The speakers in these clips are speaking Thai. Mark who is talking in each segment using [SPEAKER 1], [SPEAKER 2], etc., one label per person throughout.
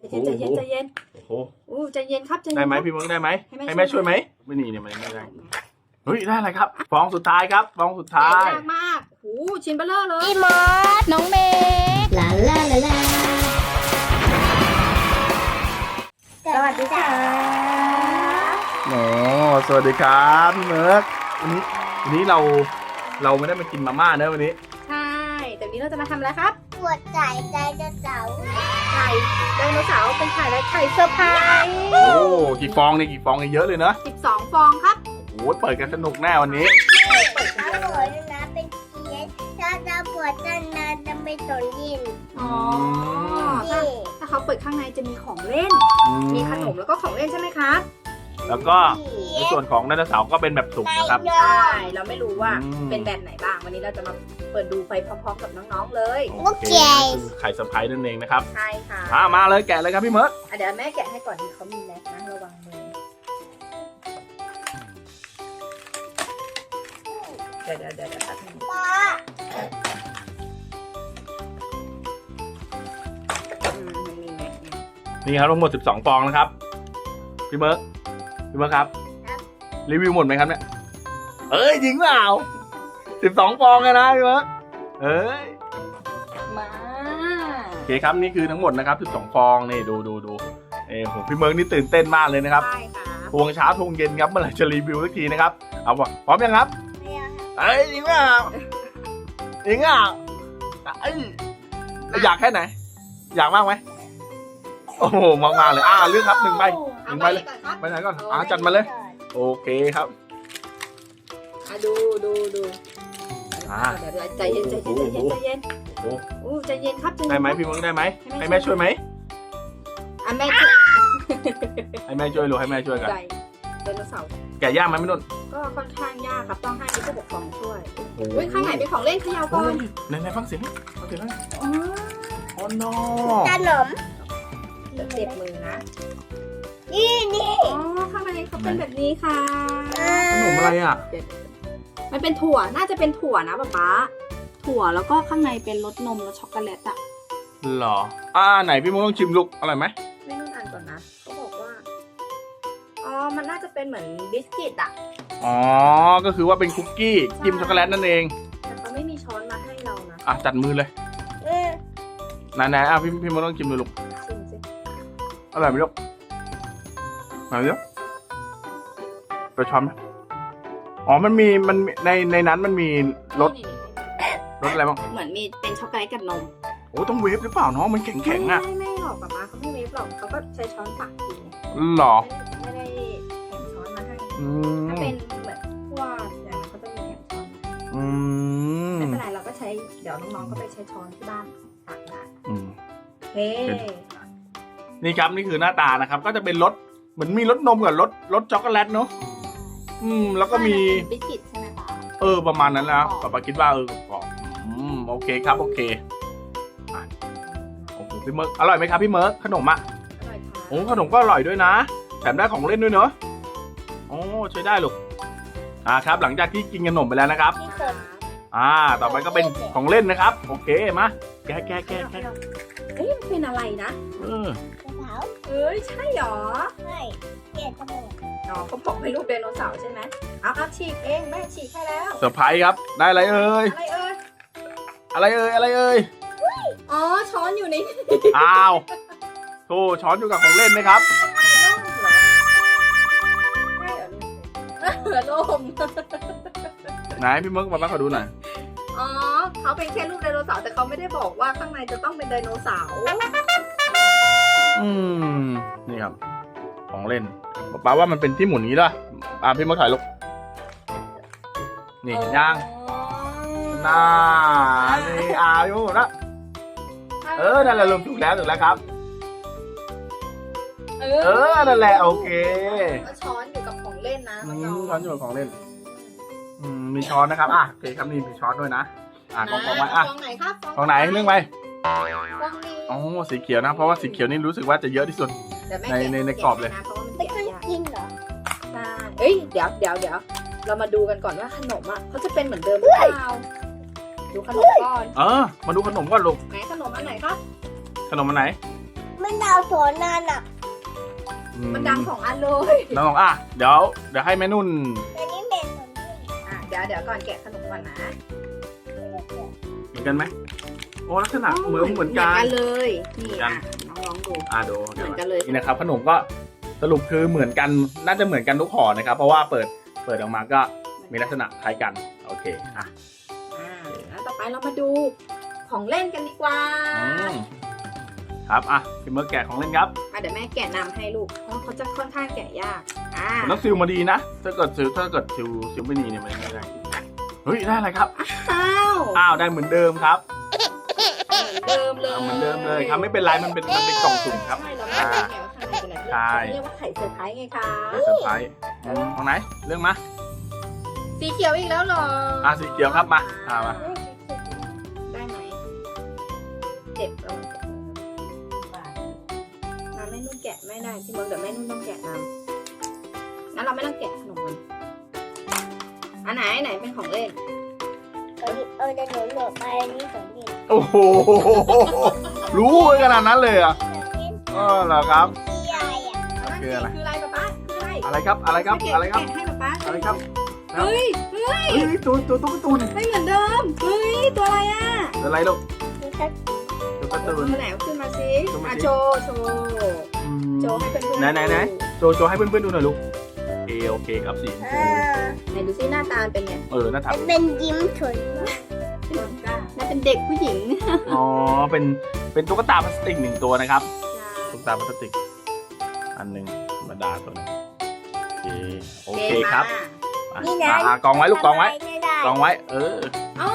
[SPEAKER 1] ใจเย็นใจเย็น
[SPEAKER 2] โอ้โห
[SPEAKER 1] ใจเย็นครับใจเย็น
[SPEAKER 2] ได้ไหมพี่มึงได้ไหม
[SPEAKER 1] ให้
[SPEAKER 2] ให้
[SPEAKER 1] แม่
[SPEAKER 2] แม่ช่วยไหมไม่นี่เนี่ยมันไม่ได้เฮ้ยได้อะไรครับฟองสุดท้ายครับฟองสุดท้าย
[SPEAKER 1] ยากมากชิ้นเบลเลอร์เลย
[SPEAKER 3] พี่มอสน้องเมย์ลาลาลาลาสวัสดีค่ะ
[SPEAKER 2] โอ้สวัสดีครับพี่เมิร์กวันนี้เราไม่ได้มากินมาม่าเนอะวันนี้
[SPEAKER 1] ใช่แต่วันนี้เราจะมาทำอะไรครับ
[SPEAKER 3] ปวดใจใจจะเสา
[SPEAKER 1] ไข่ไดโนเสาร์เป็นไข่อะไรไข่เซอร์ไพรส์
[SPEAKER 2] โอ้กี่ฟองเนี่ยกี่ฟองเนี่ยเยอะเลยเนอะ
[SPEAKER 1] 12 ฟองครับ
[SPEAKER 2] โอ้เปิดกันสนุกแน่วันนี้
[SPEAKER 3] ถ้าปวดนะเป็นเกียร์ถ้าจะปวดนานจะไม่สนยิน
[SPEAKER 1] อ๋อ
[SPEAKER 3] นี่
[SPEAKER 1] ถ้าเขาเปิดข้างในจะมีของเล่น มีขนมแล้วก็ของเล่นใช่ไหมครับ
[SPEAKER 2] แล้วก็ในส่วนของไดโนเสาร์ก็เป็นแบบสุกนะครับ
[SPEAKER 1] ใช่เราไม่รู้ว่า
[SPEAKER 2] อืม
[SPEAKER 1] เป็นแบบไหนบ้างวันนี้เราจะมาเปิดดูไปพร้อมๆกับน้องๆเลย
[SPEAKER 3] โอเค
[SPEAKER 2] คือไข่เซอร์ไพรส์นั่นเองนะครับ
[SPEAKER 1] ใช่ค่ะ
[SPEAKER 2] มาเลยแกะเลยครับพี่เมิร์ก
[SPEAKER 1] เดี๋ยวแม่แกะให้ก่อนดีเขามีแมสนะระวังมือเดี๋ยวตัดให้
[SPEAKER 3] ป้า
[SPEAKER 1] มันมีแมสไง
[SPEAKER 2] นี่ครับทั้งหมด12ฟองนะครับพี่เมิร์กครับรีวิวหมดไหมครับเนี่ยเอ้ยจริงเปล่า12ฟองเลยนะพี่เมิร์กเอ้ย
[SPEAKER 1] มา
[SPEAKER 2] โอเคครับนี่คือทั้งหมดนะครับ12ฟองนี่ดูผมพี่เมิร์กนี่ตื่นเต้นมากเลยนะครับ
[SPEAKER 1] ใช่ค่ะ
[SPEAKER 2] ทวงเช้าทวงเย็นครับเมื่อไหร่จะรีวิวสักทีนะครับเอาวะพร้อมยังครับ
[SPEAKER 3] ไม่เอา
[SPEAKER 2] เอ้ยจริงเปล่าจริงอ่ะเอ้ยอยากแค่ไหน อยากมากไหมโอ้โหมากๆเลยเลือกครับ1 ใบ
[SPEAKER 1] เอา
[SPEAKER 2] 1
[SPEAKER 1] ไป
[SPEAKER 2] ใบเลย
[SPEAKER 1] ก่อนครับ
[SPEAKER 2] ไปไหนก่อนจัดมาเลย โอเคครับ
[SPEAKER 1] ดู เดี๋ยวใจเย็น
[SPEAKER 2] โอ้โห
[SPEAKER 1] ใจเย็นครับใจเย็น
[SPEAKER 2] ได้ไหมพี่เมิร์กได้ไหมให้แม่ช่วยไหม
[SPEAKER 1] แม่
[SPEAKER 2] ให้แม่ช่วยหรือให้แม่ช่วยกัน
[SPEAKER 1] ใจไดโนเสาร์
[SPEAKER 2] แกะยากไหมพี่นุ่น
[SPEAKER 1] ก็ค่อนข้างยากครับต้องให้ผู้ปกครองช่วย
[SPEAKER 2] โอ้โห
[SPEAKER 1] อุ้ยข้างไหนเป็นของเล่นขยาวก่อน
[SPEAKER 2] ไหนฟังเสียงฟังเสียง
[SPEAKER 1] อ๋อ
[SPEAKER 2] โอ้โน
[SPEAKER 3] ขนม
[SPEAKER 1] เดี๋ยวเจ็บมือนะ
[SPEAKER 3] นี่
[SPEAKER 1] อ๋อข้างในเขาเป็นแบบนี้ค่ะ
[SPEAKER 2] ขนมอะไรอ่ะ
[SPEAKER 1] มันเป็นถั่วน่าจะเป็นถั่วนะป๊าถั่วแล้วก็ข้างในเป็นรสนมรสช็อกโกแลตอะ
[SPEAKER 2] หรอไหนพี่มุกต้องชิมลูกอร่อยไหม
[SPEAKER 1] ไม่ต้องอ่านก่อนนะเขาบอกว่าอ๋อมันน่าจะเป็นเหมือนบิสกิตอะ
[SPEAKER 2] อ๋อก็คือว่าเป็นคุกกี้จิ้มช็อกโกแลตนั่นเอง
[SPEAKER 1] แต่เขาไม่มีช้อนมาให้เรานะ
[SPEAKER 2] จัดมือเลยไหนพี่มุกต้องชิมดูลูก
[SPEAKER 1] ชิมสิ
[SPEAKER 2] อร่อยไหมลูกอร่อยไหมลูกไปช้อนไหมอ๋อมันมีในนั้นมันมีรส
[SPEAKER 1] นี่
[SPEAKER 2] รสอะไรบ้าง
[SPEAKER 1] เหมือนมีเป็นช็อกโกแลตกับนม
[SPEAKER 2] โอ้ต้องเวฟหรือเปล่าน้องมันแข็งๆอ่ะ
[SPEAKER 1] ไม่หรอกป๊าเขาไม่เวฟหรอกเขาก็ใช้ช้อนตักกิน
[SPEAKER 2] หรอ
[SPEAKER 1] ไม่ได้แถมช้อนมาให้
[SPEAKER 2] อื
[SPEAKER 1] ถ้าม เป็นเหมือนพวกอย่างนั้นเขาจะมีแถมช้อนมา
[SPEAKER 2] อืม
[SPEAKER 1] ไม่เป็นไรเราก็ใช้เดี๋ยวน้องๆก็ไปใช้ช้อนที่บ้านตักได้
[SPEAKER 2] อืม
[SPEAKER 1] เฮ้
[SPEAKER 2] นี่ครับนี่คือหน้าตานะครับ ก็จะเป็นรสเหมือนมีรสนมกับรสช็อกโกแลตเนาะแล้วก็มี
[SPEAKER 1] บิสกิตใช่ไหมคะ
[SPEAKER 2] ประมาณนั้นนะป้าคิดว่ากรอบโอเคครับโอเคโอ้โหพี่เมิร์กอร่อยไหมครับพี่เมิร์กขนมอ่ะ
[SPEAKER 1] อร่อยค่ะ
[SPEAKER 2] โอ้ขนมก็อร่อยด้วยนะแถมได้ของเล่นด้วยเนอะโอ้ใช้ได้ลูกครับหลังจากที่กินขนมไปแล้วนะครับ
[SPEAKER 3] ที่สน
[SPEAKER 2] ต่อไปก็เป็นของเล่นนะครับ โอเคมาแกะ
[SPEAKER 1] เอ้ยมันเป็นอะไรนะ
[SPEAKER 3] กระเป๋า
[SPEAKER 1] เอ้ยใช่หรอ
[SPEAKER 3] ไม่เกียร์จมูก
[SPEAKER 1] อ๋อเขาบอกให้ลูกไดโนเสาร์ใช่ไหมเอาฉีกเองแม่ฉีกให้แล้ว
[SPEAKER 2] เซอร์ไพรส์ครับได้อะไรเอ่ย
[SPEAKER 1] อะไรเอ่ย
[SPEAKER 2] อะไรเอ่ย
[SPEAKER 1] อ๋อช้อนอยู่ใน
[SPEAKER 2] อ้าวโธ่ช้อนอยู่กับของเล่นไหมครับ
[SPEAKER 1] ร่มเหรอใช่เหรอร่ม
[SPEAKER 2] ไหนพี่เมิร์กมาขอดูหน่อย
[SPEAKER 1] อ๋อเขาเป็นแค่ลูกไดโนเสาร์แต่เขาไม่ได้บอกว่าข้างในจะต้องเป็นไดโนเสาร์
[SPEAKER 2] นี่ครับ ของเล่นป้าว่ามันเป็นที่หมุนนี้ด้วยพี่เมิร์กถ่ายลูกนี่เห็นยังน่านี่พี่เมิร์กนะนั่นแหละลงถูกแล้วครับ นั่นแหละโอเค
[SPEAKER 1] ช้อนอยู่กับของเล่นนะ
[SPEAKER 2] ช้อนอยู่กับของเล่นมีช้อนนะครับโอเคครับนี่มีช้อนด้วยนะของไว้
[SPEAKER 1] ฟองไหนครับ
[SPEAKER 2] ของไหนเรื่องไป
[SPEAKER 1] ฟองนี้
[SPEAKER 2] อ๋อสีเขียวนะเพราะว่าสีเขียวนี่รู้สึกว่าจะเยอะที่สุด ในกรอบเลย
[SPEAKER 1] เพราะว่ามัน
[SPEAKER 3] ไม่
[SPEAKER 1] แกะ
[SPEAKER 3] ต้อง
[SPEAKER 1] ยาก
[SPEAKER 3] กินเหรอ
[SPEAKER 1] ใช่เอ้ยเดี๋ยวเรามาดูกันก่อนว่าขนมอ่ะเขาจะเป็นเหมือนเดิมหรือเปล่าดูขนมก่อน
[SPEAKER 2] มาดูขนมก่อนลูก
[SPEAKER 1] ไหนขนมอันไหนครับ
[SPEAKER 2] ขนมอันไหน
[SPEAKER 3] แมันดาวสวนนานอ่ะ
[SPEAKER 1] มันดังของอันเลย
[SPEAKER 2] น้องอ่ะเดี๋ยวให้แม่นุ่น
[SPEAKER 3] อันนี้เป็นสวนที่
[SPEAKER 1] เดี๋ยวก่อนแกะขนมก่อนนะ
[SPEAKER 2] เหมือนกันไหมโอ้ลักษณะเหมือนกัน
[SPEAKER 1] เหมือนกันเลยนี่อ่ะน้องลองดู
[SPEAKER 2] ดู
[SPEAKER 1] เหมือนกันเลย
[SPEAKER 2] นี่นะครับขนมก็สรุปคือเหมือนกันน่าจะเหมือนกันทุกห่อนะครับ เพราะว่าเปิดออกมาก็มีลักษณะคล้ายกันโอเคอ่ะ
[SPEAKER 1] แล้วต่อไปเรามาดูของเล่นกันดีกว่า
[SPEAKER 2] ครับอ่ะพี่เมิร์กแกะของเล่นครับ
[SPEAKER 1] เดี๋ยวแม่แกะนำให้ลูกเพราะเขาจะค่อนข้างแกะยาก
[SPEAKER 2] ผมต้องซิลมาดีนะถ้าเกิดซิลไม่ดีเนี่ยมันไม่ได้เฮ้ยได้อะไรครับ
[SPEAKER 1] อ้าว
[SPEAKER 2] ได้เหมือนเดิมครับ
[SPEAKER 1] เหมือนเดิมเลย
[SPEAKER 2] ครับไม่เป็นไรมันเป็นกล่องสุ่มครับ
[SPEAKER 1] ใช่เราไม่รู้ไงว่าข้างในเป็นอะไร
[SPEAKER 2] ใช่
[SPEAKER 1] เรียกว่าไข่เซอร์ไพรส์ไงคะ
[SPEAKER 2] เซอร์ไพรส์ของไหนเรื่องมา
[SPEAKER 1] สีเขียวอีกแล้วเหรอ
[SPEAKER 2] สีเขียวครับมามา
[SPEAKER 1] ได้ไหมเจ็บเราแม่นุ่นแกะไม่ได้ที่มึงเดี๋ยวแม่นุ่นต้องแกะนำงั้นเราไม่ต้องแกะขนมมันอันไหนเป็นของเล่น
[SPEAKER 3] จะหนูไปอันนี้สวนที่
[SPEAKER 2] โอ้โหรู้ขนาดนั้นเลยอ่ะเหรอครับ
[SPEAKER 3] ที่ใหญ่อ่ะ
[SPEAKER 2] คืออะไร
[SPEAKER 1] คืออะไรป๊าคืออะไร
[SPEAKER 2] อะไรครับอะไรครับ
[SPEAKER 1] แกะ
[SPEAKER 2] อะไรครับ
[SPEAKER 1] ให้ป๊า
[SPEAKER 2] อะไรครับ
[SPEAKER 1] เฮ้ย
[SPEAKER 2] ตัวตุ๊กตูน
[SPEAKER 1] ไม่เหมือนเดิมเฮ้ยตัวอะไรอ่ะ
[SPEAKER 2] อะไรลูก
[SPEAKER 3] คือถ้า
[SPEAKER 2] ตุ๊กตูน
[SPEAKER 1] ตัวไหนเอาขึ้นมาสิโชว์ให้เพื่อนๆ
[SPEAKER 2] ไหนโจให้เพื่อนๆดูหน่อยลูกโอเคครับสี
[SPEAKER 1] ไหนดูซิหน้าตาเป็นไง
[SPEAKER 2] หน้าตา
[SPEAKER 3] เป็นยิ้มเฉย
[SPEAKER 1] น่าเป็นเด็กผู้หญิง
[SPEAKER 2] อ๋อเป็นตุ๊กตาพลาสติก1ตัวนะครับตุ๊กตาพลาสติกอันหนึ่งธรรมดาตัวนึงโอเคครับกองไว้ลูกกองไว้
[SPEAKER 3] ไม่ได้
[SPEAKER 2] กองไว้
[SPEAKER 1] อ๋อ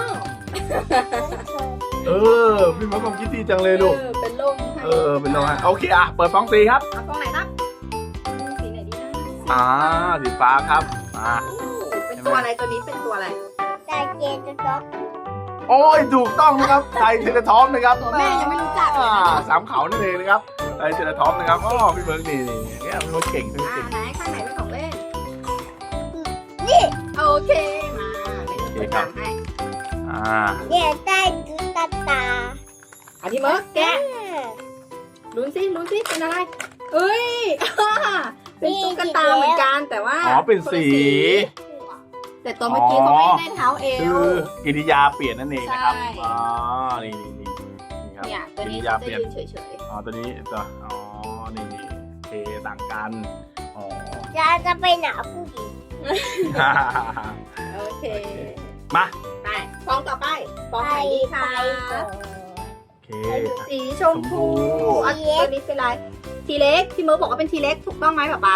[SPEAKER 2] พี่มะกองคิดดีจังเลยลูก
[SPEAKER 1] เป็นลม
[SPEAKER 2] เป็นลมโอเคเปิดฟองสีครับ
[SPEAKER 1] เอาฟองไหนครับสีไหนดีนะ
[SPEAKER 2] สีฟ้าครับ
[SPEAKER 1] เป็นตัวอะไรตัวนี้เป็นตัวอะไร
[SPEAKER 3] แต่เจจะจ๊อก
[SPEAKER 2] โอ้ยถูกต้องนะครับไทเทเลทอปนะครับ
[SPEAKER 1] ตัวแม่ยังไม่รู้จักเลยนะ
[SPEAKER 2] สามเขานั่นเองนะครับไทเทเลทอปนะครับพี่เบิร์กนี่เนี่ยพี่เบิร์กเก่ง
[SPEAKER 1] ไหนข้างไหนเป็นของเล่น
[SPEAKER 3] นี่
[SPEAKER 1] โอเคมาเป็นตัวอย่างให้
[SPEAKER 3] เนี่ยได้ตุ๊กตา
[SPEAKER 1] อันที่เมิร์กแกะลุ้นสิเป็นอะไรเอ้ยเป็นตุ๊กตาเหมือนกันแต่ว่า
[SPEAKER 2] เป็นสี
[SPEAKER 1] แต่ตัวเมื่อกี้เขาไม่ได้เท้าเอ
[SPEAKER 2] คื
[SPEAKER 1] ว
[SPEAKER 2] อกิริยาเปลี่ยนนั่นเองนะครับนี่ครับ
[SPEAKER 1] เนี่ยตัว
[SPEAKER 2] กิ
[SPEAKER 1] นี้
[SPEAKER 2] ริยา
[SPEAKER 1] จะ
[SPEAKER 2] เปลี่ยน
[SPEAKER 1] ยืนเฉย
[SPEAKER 2] ตัวนี้นี่เทต่างกัน
[SPEAKER 3] จะไปหนาผู้หญิง
[SPEAKER 1] ๆโอเค
[SPEAKER 2] มา
[SPEAKER 1] ไปฟองต่อไปฟองไหนดีคะ
[SPEAKER 2] โอเค
[SPEAKER 1] สีชมพูอันตัวนี้เป็นอะไรทีเล็กพี่เมิร์กบอกว่าเป็นทีเล็กถูกต้องไหมป๊า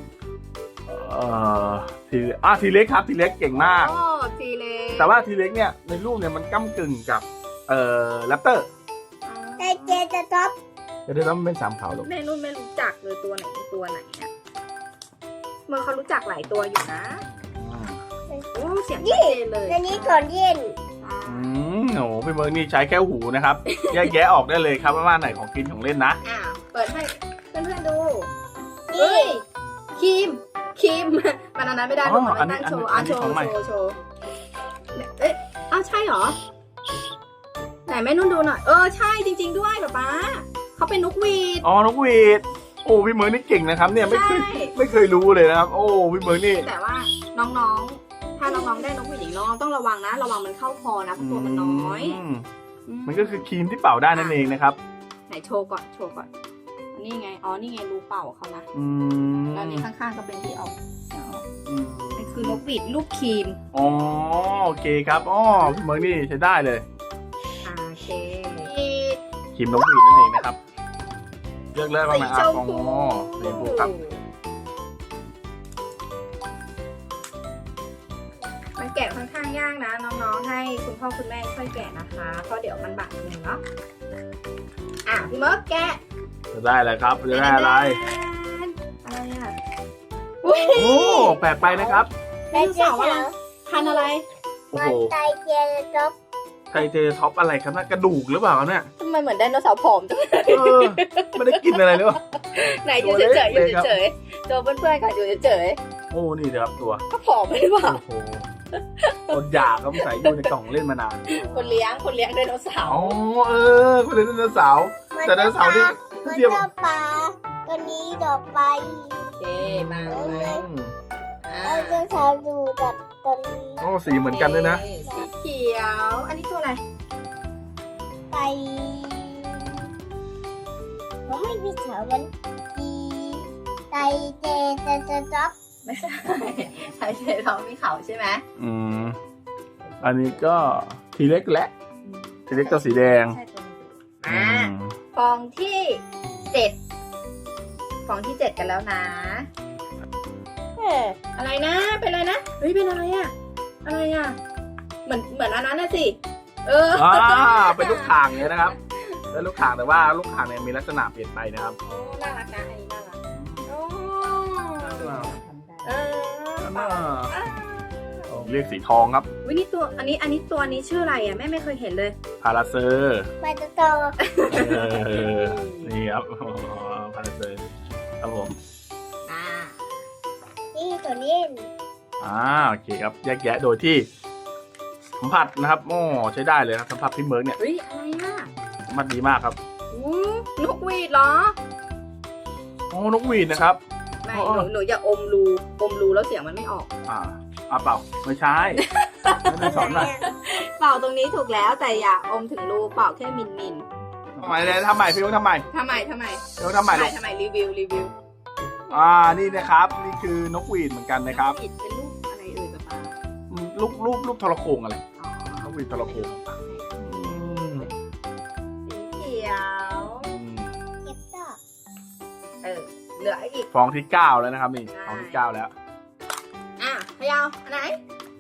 [SPEAKER 2] ทีเล็กครับทีเล็กเก่งมาก
[SPEAKER 1] ทีเล็ก
[SPEAKER 2] แต่ว่าทีเล็กเนี่ยในรูปเนี่ยมันก้ากึ่งกับแรปเตอร์
[SPEAKER 3] แต่เจจะจ๊อก
[SPEAKER 2] จะได้ต้องเป็นสามเขาหรอก
[SPEAKER 1] แม่นุ่นไม่รู้จักเลยตัวไหนเนี่ยเมื่อเขารู้จักหลายตัวอยู่นะโอ้เสียงชัดเจนเลย
[SPEAKER 3] อันนี้ก่อนเย็น
[SPEAKER 2] โอ้พี่เมิร์กนี่ใช้แค่หูนะครับแยกแยะออกได้เลยครับว่าไหนของกินของเล่นนะ
[SPEAKER 1] เปิดให้เพื่อนๆดู
[SPEAKER 3] นี่
[SPEAKER 1] ครีมมันอันนั้นไม่ได้ลูกมันตั้งโชว์โชว์เอ๊ะใช่เหรอไหนแม่นุ่นดูหน่อยใช่จริงๆด้วยป๊าเขาเป็นนกหวีด
[SPEAKER 2] นกหวีดโอ้พี่เมิร์กนี่เก่งนะครับเนี่ยไม่เคยรู้เลยนะครับโอ้พี่เมิร์กนี่
[SPEAKER 1] แต่ว่าน้องๆถ้าน้องๆได้นกหวีดน้องต้องระวังนะระวังมันเข้าคอนะเพราะตัวมันน้อย
[SPEAKER 2] มันก็คือครีมที่เป่าได้นั่นเองนะครับ
[SPEAKER 1] ไหนโชว์ก่อนนี่ไงนี่ไงรูเป่าเขานะแล้วนี่ข้างๆก็เป็นที่เอามันคือนกหวีดลูกครีม
[SPEAKER 2] โอเคครับพี่เมิร์กนี่ใช้ได้เลย
[SPEAKER 1] โอเค
[SPEAKER 2] ครีมนกหวีดนั่นเองนะครับเลือกเลยว่าไหนสีชมพูครับ
[SPEAKER 1] มันแกะค่อนข้างยากนะน้องๆให้คุณพ่อคุณแม่ช่วยแกะนะคะเพราะเดี๋ยวมันบาดมือเนาะพี่เมิร์กแกะ
[SPEAKER 2] จะได้อะไรครับจะได้อะไรโอ้แปลกไปนะครับ
[SPEAKER 1] เป็นเสาอะไรพันอะไร
[SPEAKER 2] โอ้โห
[SPEAKER 3] ไทเจจะจ๊อก
[SPEAKER 2] ไทเทท็อปอะไรครับน่ากระดูกหรือเปล่าเนี่ย
[SPEAKER 1] ทำไมเหมือนไดโนเสาร์ผอมจัง
[SPEAKER 2] ไม่ได้กินอะไรเลยวะ
[SPEAKER 1] ไหนอยู่เฉยๆตัวเพื่อนๆค่ะอยู่เฉย
[SPEAKER 2] ๆโอ้นี่ครับตัว
[SPEAKER 1] ก็ผอมไม่หรือเปล่า
[SPEAKER 2] คนอยากก็ใส่อยู่ในกล่องเล่นมานาน
[SPEAKER 1] คนเลี้ยงไดโนเสาร์
[SPEAKER 2] คนเลี้ยงไดโนเสาร์แต่ไดโนเสาร์ที่
[SPEAKER 3] มัน
[SPEAKER 2] เทียบ
[SPEAKER 3] จะปลาตัวนี้ต่อไป
[SPEAKER 1] โอเคมา
[SPEAKER 2] อืม
[SPEAKER 3] เราจะทำดูจากตัวนี้
[SPEAKER 2] โอ้สีเหมือนกันด้วยนะ
[SPEAKER 1] สีเขียว อันนี้ตัวอะไร
[SPEAKER 3] ไปผมไม่มีเถามันดีไตเจจะจับ
[SPEAKER 1] ไม่ใช่ใช่ใช่เรามีเขาใช่ไหม
[SPEAKER 2] อืมอันนี้ก็ทีเล็กและทีเล็กตัวสีแดง
[SPEAKER 1] ใช่ตัวนี้
[SPEAKER 2] อื
[SPEAKER 1] อ่าม ฟองที่7ฟองที่7กันแล้วนะ อะไรนะ เป็นอะไรนะ เฮ้ย เป็นอะไรอะอะไรอะเหมือนอันนั้นนะสิ
[SPEAKER 2] เป็นลูกข่างเนี่ยนะครับเป็นลูกข่างแต่ว่าลูกข่างเนี่ยมีลักษณะเปลี่ยนไปนะครับ
[SPEAKER 1] โอ้น่ารักนะ อันนี้น่ารักโอ้เออ
[SPEAKER 2] เรียกสีทองครับ
[SPEAKER 1] วินี่ตัว อันนี้ตัวนี้ชื่ออะไรอะแม่ไม่เคยเห็นเลย
[SPEAKER 2] พาราเซอร์
[SPEAKER 3] ไปจะโต
[SPEAKER 2] นี่ครับพาราเซอร์ครับผม
[SPEAKER 1] อ่า
[SPEAKER 3] นี่ตัวนี้
[SPEAKER 2] โอเคครับแยกแยะโดยที่สัมผัสนะครับโอ้ใช้ได้เลยครับสัมผัสพี่เมิร์กเนี่ย
[SPEAKER 1] เฮ้ย อะไรอะ
[SPEAKER 2] สัมผัสดีมากครับ
[SPEAKER 1] อู้นกหวีดเหรอ
[SPEAKER 2] โอ้นกหวีดนะครับ
[SPEAKER 1] ไม่
[SPEAKER 2] อ๋อ
[SPEAKER 1] หนูอย่าอมรูแล้วเสียงมันไม่ออก
[SPEAKER 2] เปล่าไม่ใช่ไม่ได้สอนหน่อย
[SPEAKER 1] เป่าตรงนี้ถูกแล้วแต่อย่าอมถึงรูเป่าแค่มิน
[SPEAKER 2] ทำไมเลยทำไมพี่เมิร์กทำไม
[SPEAKER 1] ทำไม
[SPEAKER 2] พี่เมิร์กทำไมลูก
[SPEAKER 1] ทำไมรีวิว
[SPEAKER 2] นี่นะครับนี่คือนกหวีดเหมือนกันนะครับ
[SPEAKER 1] ผิดเป็นรูปอะไรเอ่ยป๊าป๊า
[SPEAKER 2] รูปทรโขงอะไร
[SPEAKER 1] อ๋อน
[SPEAKER 2] กหวีดทรโขงอืม
[SPEAKER 1] สีเขียว
[SPEAKER 3] เก็บต่อ
[SPEAKER 1] เหลืออีก
[SPEAKER 2] ฟองที่9แล้วนะครับนี่ฟองที่9แล้ว
[SPEAKER 1] อ่ะพยาวอันไหน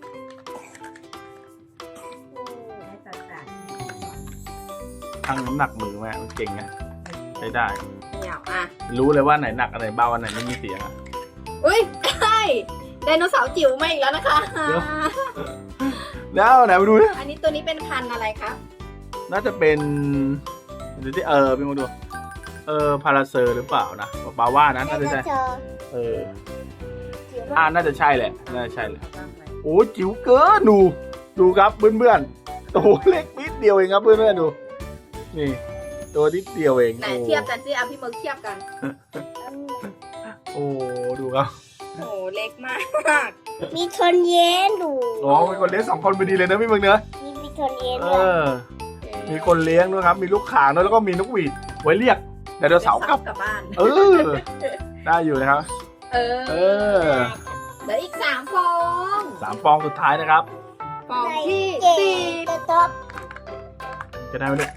[SPEAKER 2] ทั้งน้ำหนักมือแม่มันเก่งนะใช้ได้
[SPEAKER 1] พยาวอ่ะ
[SPEAKER 2] รู้เลยว่าไหนหนักอันไหนเบาอันไหนไม่มีเสียงอะ
[SPEAKER 1] อุ้ยใช่ไดโนเสาร์จิ๋วมาอีกแล้วนะคะ
[SPEAKER 2] เดี๋ยว แล้วไหนมาดูดิ
[SPEAKER 1] อันนี้ตัวนี้เป็นพันธุ์อะไรคะ
[SPEAKER 2] น่าจะเป็นดูที่พี่มาดูพาราเซอร์หรือเปล่านะปาว่านะ
[SPEAKER 3] แล้
[SPEAKER 2] น่าว จะ
[SPEAKER 3] จะ
[SPEAKER 2] ใช่
[SPEAKER 3] เจอ
[SPEAKER 2] เออ
[SPEAKER 3] จิ๋วมาก
[SPEAKER 2] น่าจะใช่แหละน่าจะใช่เลยโอ้จิ๋วเกินดูครับเพื่อนๆโอ้โหเล็กนิดเดียวเองครับเพื่อนๆดูนี่ตัวนิดเดียวเอง
[SPEAKER 1] ไหนเทียบกันสิเอาพี่เมิร์กเทียบกัน
[SPEAKER 2] โอ้ดูครับ
[SPEAKER 1] โอ้โหเล็กมาก
[SPEAKER 3] มีคนเย็นดู
[SPEAKER 2] อ๋อมีคนเลี้ยง2 คนพอดีเลยนะพี่เมืองเนื้อ
[SPEAKER 3] มีคนเย็น
[SPEAKER 2] เอ
[SPEAKER 3] ด้วย
[SPEAKER 2] มีคนเลี้ยงด้วยครับ มีลูกข่างด้วยแล้วก็มีนกหวีดไว้เรียกไดโนเสาร์กลับ
[SPEAKER 1] กลับบ้าน
[SPEAKER 2] ได้อยู่นะครับ
[SPEAKER 1] เอ
[SPEAKER 2] เอ
[SPEAKER 1] อ
[SPEAKER 2] อ
[SPEAKER 1] เหลืออีก3 ฟอง
[SPEAKER 2] 3 ฟองสุดท้ายนะครับ
[SPEAKER 1] ฟองที่
[SPEAKER 3] เจ็ดจะตบ
[SPEAKER 2] จะได้ไหมลูก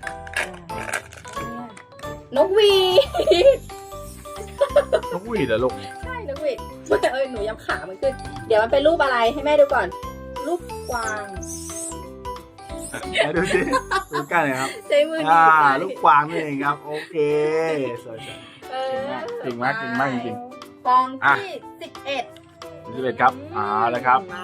[SPEAKER 1] 4นกหวีด
[SPEAKER 2] นกหวีดเหรอลูก
[SPEAKER 1] ใช่นกหวีดหนูยับขามันขึ้น เดี๋ยวมันเป็นรูปอะไรให้แม่ดูก่อน รูปกวาง
[SPEAKER 2] ไหนดูสิดูใกล้หน่อยครับ
[SPEAKER 1] ใช้มือหนีบไว้
[SPEAKER 2] ลูกกวางนี่เองครับ โอเคสวย
[SPEAKER 1] เออ
[SPEAKER 2] เก่งมากจริง
[SPEAKER 1] ฟองที่11
[SPEAKER 2] ๆ11ครับแล้วครับ
[SPEAKER 1] มา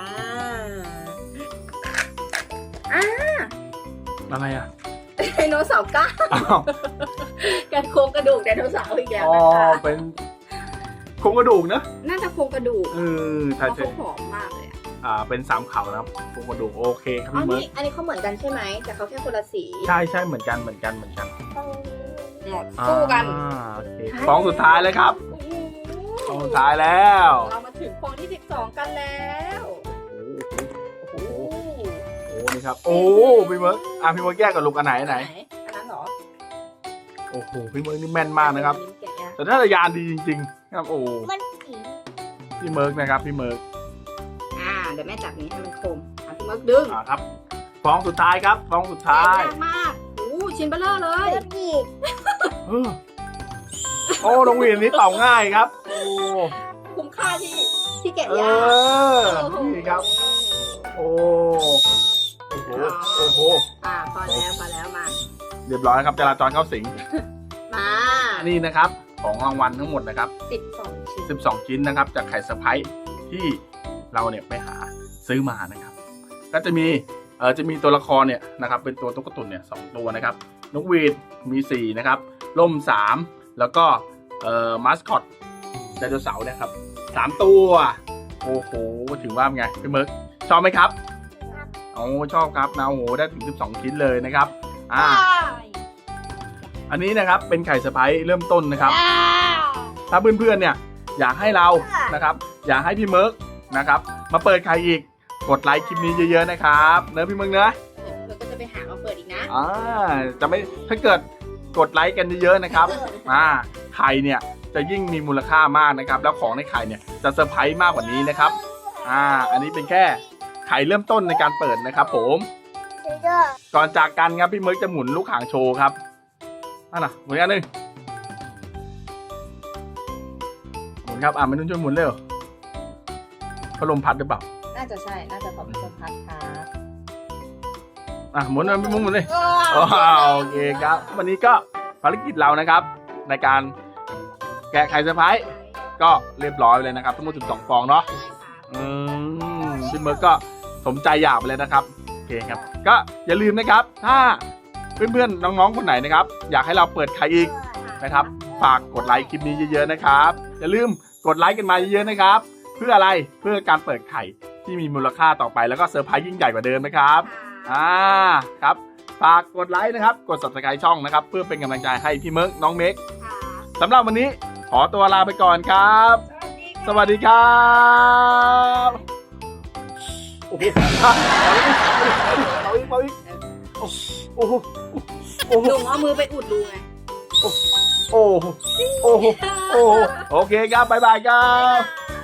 [SPEAKER 2] อะไรอ่ะ
[SPEAKER 1] ไดโนเสาร์ก้าว
[SPEAKER 2] อ้าว
[SPEAKER 1] กันโครงกระดูกไดโนเสาร์อีกแล้ว
[SPEAKER 2] อ๋อ
[SPEAKER 1] นะคะ
[SPEAKER 2] เป็นโครงกระดูกนะ
[SPEAKER 1] น่าจะโครงกระดูก
[SPEAKER 2] ใช่
[SPEAKER 1] เพราะ
[SPEAKER 2] ใช่
[SPEAKER 1] เขาผอมมากเลยอะ
[SPEAKER 2] เป็น3 เขานะครับโครงกระดูกโอเคครับ
[SPEAKER 1] อ๋อ
[SPEAKER 2] พี่เมิร์
[SPEAKER 1] นี่อันนี้เขาเหมือนกันใช่ไหมแต่เขาแค่คนละสี
[SPEAKER 2] ใช่เหมือนกัน
[SPEAKER 1] หมด
[SPEAKER 2] อ่า
[SPEAKER 1] สู้กัน
[SPEAKER 2] โอเคฟองสุดท้ายเลยครับ
[SPEAKER 1] โอ้โห
[SPEAKER 2] ฟองสุดท้ายแล้ว
[SPEAKER 1] เรามาถึงฟองที่12กันแล้ว
[SPEAKER 2] โอ้โหโอ้นี่ครับโอ้พี่เมิร์กพี่เมิร์กแยกกับลูกอันไหน
[SPEAKER 1] อันนั้นเหรอ
[SPEAKER 2] โอ้โหพี่เมิร์กนี่แม่นมากนะครับ
[SPEAKER 1] แกะยาก
[SPEAKER 2] แต่ถ้าจะยานดีจริงๆครับโอ้
[SPEAKER 3] มันสี
[SPEAKER 2] พี่เมิร์กนะครับพี่เมิร์ก
[SPEAKER 1] เดี๋ยวแม่จับนี้ให้มันคมพี่เมิร์กดึง
[SPEAKER 2] ครับฟองสุดท้ายครับฟองสุดท้าย
[SPEAKER 1] แกะยากมากโอ้ชิ้นเบลเลอร์เลย
[SPEAKER 3] เลือดดีด
[SPEAKER 2] โอ้น้องวีนนี้เป่าง่ายครับโอ้
[SPEAKER 1] คุ้มค่าที่แกะ
[SPEAKER 2] เอย
[SPEAKER 1] าก
[SPEAKER 2] อนี่ครับโอ้โห
[SPEAKER 1] พอแล้วมา
[SPEAKER 2] เรียบร้อยครับจราจรเข้าสิง
[SPEAKER 1] มา
[SPEAKER 2] นี่นะครับของรางวัลทั้งหมดนะครับ
[SPEAKER 1] 12 ชิ้น
[SPEAKER 2] 12 ชิ้นนะครับจากไข่เซอร์ไพรส์ที่เราเนี่ยไปหาซื้อมานะครับ ก็จะมีตัวละครเนี่ยนะครับเป็นตัวตุ๊กตุ่นเนี่ย2 ตัวนะครับนกหวีดมี4นะครับล่ม3แล้วก็มาสคอตไดโนเสาร์นะครับ3 ตัวโอ้โหถือว่าเป็นไงพี่เมิร์กชอบไหมครับโอ้ชอบครับนะโอ้โหได้ถึง12 ชิ้นเลยนะครับอันนี้นะครับเป็นไข่เซอร์ไพรส์เริ่มต้นนะครับ ถ้าเพื่อนๆเนี่ยอยากให้เรานะครับ อยากให้พี่เมิร์กนะครับมาเปิดไข่อีกกดไลค์คลิปนี้เยอะๆนะครับเนอะพี่เมิร์กเนอะ
[SPEAKER 1] เธอก็จะไปหามาเปิดอีกนะ
[SPEAKER 2] จะไม่ถ้าเกิดกดไลค์กันเยอะๆนะครับไข่เนี่ยจะยิ่งมีมูลค่ามากนะครับ แล้วของในไข่เนี่ยจะเซอร์ไพรส์มากกว่านี้นะครับอันนี้เป็นแค่ไข่เริ่มต้นในการเปิดนะครับผมก่อนจากกันครับพี่เมิร์กจะหมุนลูกหางโชว์ครับนั่นน่ะหมุนอันหนึ่งหมุนครับไม่นุ่นช่วยหมุนเร็วพัดลมพัดหรือเปล่า
[SPEAKER 1] น่าจะใช่ น่าจะต้องเป็นพัดครับ
[SPEAKER 2] หมุนพี่มุ้งหมุนเลยโอเคครับ วันนี้ก็ภารกิจเรานะครับ ในการแกะไข่เซอร์ไพรส์ก็เรียบร้อยเลยนะครับทั้งหมด12ฟองเนาะพี่เมิร์กก็สมใจอยากไปเลยนะครับโอเคครับก็อย่าลืมนะครับถ้าเพื่อนๆน้องๆคนไหนนะครับอยากให้เราเปิดไข่อีกนะครับฝากกดไลค์คลิปนี้เยอะๆนะครับอย่าลืมกดไลค์กันมาเยอะๆนะครับเพื่ออะไรเพื่อการเปิดไข่ที่มีมูลค่าต่อไปแล้วก็เซอร์ไพรส์ยิ่งใหญ่กว่าเดิมนะครับครับฝากกดไลค์นะครับกด Subscribe ช่องนะครับเพื่อเป็นกำลังใจให้พี่เมิร์กน้องเมกสำหรับวันนี้ขอตัวลาไปก่อนครับสวัสดีครับโอ้โหเอาอีกโอ้โห
[SPEAKER 1] ลุงเอามือไปอุดรูไง
[SPEAKER 2] โอ้โหโอเคครับบ๊ายบายครับ